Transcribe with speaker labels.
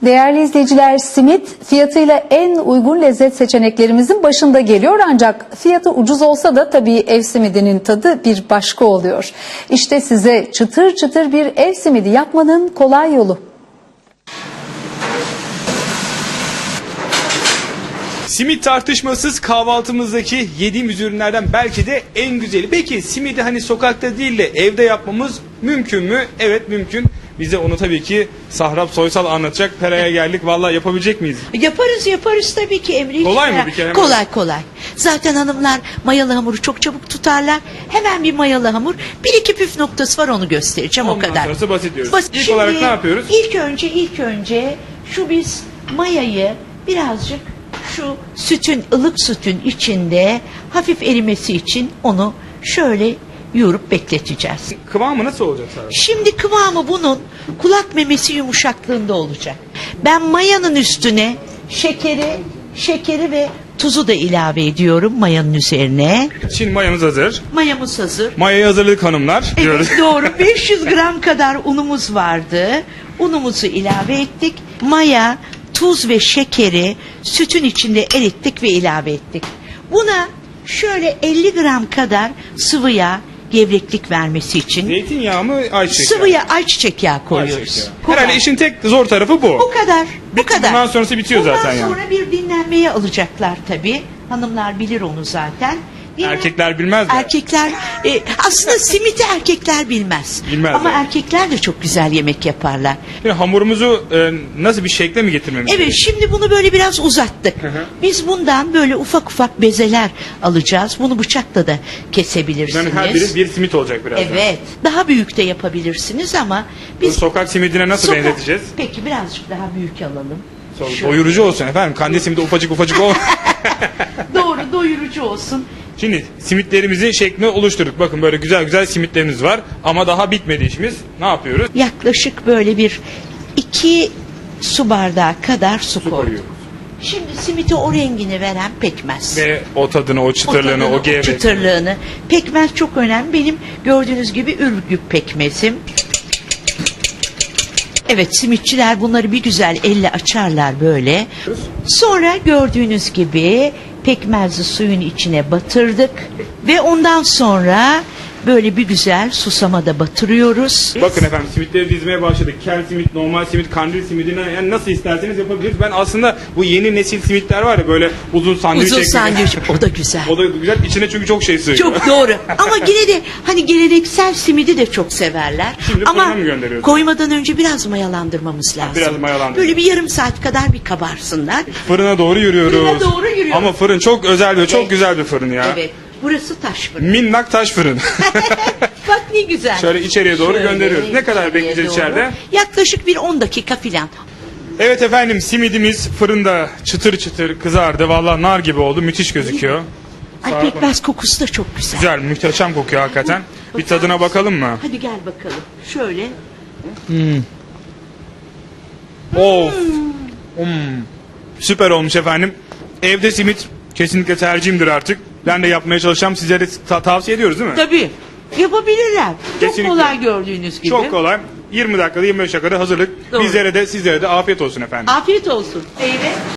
Speaker 1: Değerli izleyiciler, simit fiyatıyla en uygun lezzet seçeneklerimizin başında geliyor, ancak fiyatı ucuz olsa da tabii ev simidinin tadı bir başka oluyor. İşte size çıtır çıtır bir ev simidi yapmanın kolay yolu.
Speaker 2: Simit tartışmasız kahvaltımızdaki yediğimiz ürünlerden belki de en güzeli. Peki simidi hani sokakta değil de evde yapmamız mümkün mü? Evet, mümkün. Bize onu tabii ki Sahrap Soysal anlatacak. Pera'ya geldik. Vallahi yapabilecek miyiz?
Speaker 3: Yaparız tabii ki Emre.
Speaker 2: Kolay mı bir kere?
Speaker 3: Kolay. Zaten hanımlar mayalı hamuru çok çabuk tutarlar. Hemen bir mayalı hamur. Bir iki püf noktası var, onu göstereceğim.
Speaker 2: Ondan
Speaker 3: o kadar.
Speaker 2: sonrası basit diyoruz. İlk
Speaker 3: Şimdi,
Speaker 2: olarak ne yapıyoruz?
Speaker 3: İlk önce şu biz mayayı birazcık şu ılık sütün içinde hafif erimesi için onu şöyle yoğurup bekleteceğiz.
Speaker 2: Kıvamı nasıl olacak Sahrap?
Speaker 3: Şimdi kıvamı bunun kulak memesi yumuşaklığında olacak. Ben mayanın üstüne şekeri ve tuzu da ilave ediyorum mayanın üzerine.
Speaker 2: Şimdi mayamız hazır.
Speaker 3: Mayamız hazır.
Speaker 2: Mayayı hazırladık hanımlar diyoruz.
Speaker 3: Evet, doğru. 500 gram kadar unumuz vardı. Unumuzu ilave ettik. Maya, tuz ve şekeri sütün içinde erittik ve ilave ettik. Buna şöyle 50 gram kadar sıvı yağ, gevreklik vermesi için
Speaker 2: Zeytinyağı mı, ayçiçek
Speaker 3: sıvı
Speaker 2: yağı?
Speaker 3: ayçiçek yağı koyuyoruz.
Speaker 2: Ayçiçek yağı. Herhalde işin tek zor tarafı bu.
Speaker 3: Bu kadar.
Speaker 2: Bundan sonrası bitiyor zaten yani.
Speaker 3: Bundan sonra bir dinlenmeye alacaklar tabii. Hanımlar bilir onu zaten.
Speaker 2: Erkekler bilmez mi?
Speaker 3: Erkekler aslında simiti erkekler bilmez.
Speaker 2: Bilmez,
Speaker 3: Ama
Speaker 2: evet.
Speaker 3: erkekler de çok güzel yemek yaparlar.
Speaker 2: Şimdi hamurumuzu nasıl bir şekle mi getirmemiz
Speaker 3: Evet,
Speaker 2: gerekiyor?
Speaker 3: şimdi bunu böyle biraz uzattık. Biz bundan böyle ufak ufak bezeler alacağız. Bunu bıçakla da kesebilirsiniz.
Speaker 2: Yani her biri bir simit olacak birazdan.
Speaker 3: Evet. Daha büyük de yapabilirsiniz ama
Speaker 2: Bunu
Speaker 3: biz
Speaker 2: sokak simidine nasıl benzeteceğiz?
Speaker 3: Peki birazcık daha büyük alalım. Şöyle.
Speaker 2: Doyurucu olsun efendim. Kandil simidi ufacık ol.
Speaker 3: Doğru, doyurucu olsun.
Speaker 2: Şimdi simitlerimizin şeklini oluşturduk. Bakın böyle güzel güzel simitlerimiz var. Ama daha bitmedi işimiz. Ne yapıyoruz?
Speaker 3: Yaklaşık böyle 2 su bardağı kadar su koyduk.
Speaker 2: koyuyoruz.
Speaker 3: Şimdi simite o rengini veren pekmez.
Speaker 2: Ve o tadını, o çıtırlığını, o gevrek.
Speaker 3: çıtırlığını. Pekmez çok önemli. Benim gördüğünüz gibi Ürgüp pekmezim. Evet, simitçiler bunları bir güzel elle açarlar böyle. Sonra gördüğünüz gibi pekmezli suyun içine batırdık ve ondan sonra böyle bir güzel susamada batırıyoruz.
Speaker 2: Bakın efendim, simitleri dizmeye başladık. Kel simit, normal simit, kandil simidine, yani nasıl isterseniz yapabiliriz. Ben aslında bu yeni nesil simitler var ya, böyle uzun sandviç
Speaker 3: Uzun
Speaker 2: şeklinde.
Speaker 3: sandviç, o da güzel.
Speaker 2: O da güzel. İçine çünkü çok şey sığıyor.
Speaker 3: Çok doğru. Ama yine de hani geleneksel simidi de çok severler.
Speaker 2: Şimdi
Speaker 3: ama
Speaker 2: fırına mı gönderiyoruz?
Speaker 3: koymadan önce biraz mayalandırmamız lazım.
Speaker 2: Biraz mayalandırıyoruz.
Speaker 3: Böyle bir yarım saat kadar bir kabarsınlar.
Speaker 2: Fırına doğru yürüyoruz.
Speaker 3: Fırına doğru yürüyoruz.
Speaker 2: Ama fırın çok özel ve çok
Speaker 3: Evet.
Speaker 2: güzel bir fırın ya.
Speaker 3: Evet. Burası taş fırın.
Speaker 2: Minnak taş fırın.
Speaker 3: Bak ne güzel.
Speaker 2: Şöyle içeriye doğru
Speaker 3: Şöyle
Speaker 2: gönderiyoruz. Ne kadar
Speaker 3: içeriye
Speaker 2: bekleyeceğiz
Speaker 3: doğru.
Speaker 2: içeride?
Speaker 3: Yaklaşık bir 10 dakika filan.
Speaker 2: Evet efendim, simidimiz fırında çıtır çıtır kızardı. Vallahi nar gibi oldu. Müthiş gözüküyor.
Speaker 3: Ay,
Speaker 2: Sağ
Speaker 3: pekmez kokusu da çok güzel.
Speaker 2: Güzel, muhteşem kokuyor hakikaten. Bir tadına bakalım mı?
Speaker 3: Hadi gel bakalım. Şöyle.
Speaker 2: Of. Süper olmuş efendim. Evde simit kesinlikle tercihimdir artık. Ben de yapmaya çalışacağım. Sizlere de tavsiye ediyoruz değil mi?
Speaker 3: Tabii. Yapabilirler. Çok
Speaker 2: Kesinlikle.
Speaker 3: kolay gördüğünüz gibi.
Speaker 2: Çok kolay. 20 dakikada 25 dakikada hazırlık.
Speaker 3: Doğru.
Speaker 2: Bizlere de sizlere de afiyet olsun efendim.
Speaker 3: Afiyet olsun. Eyve.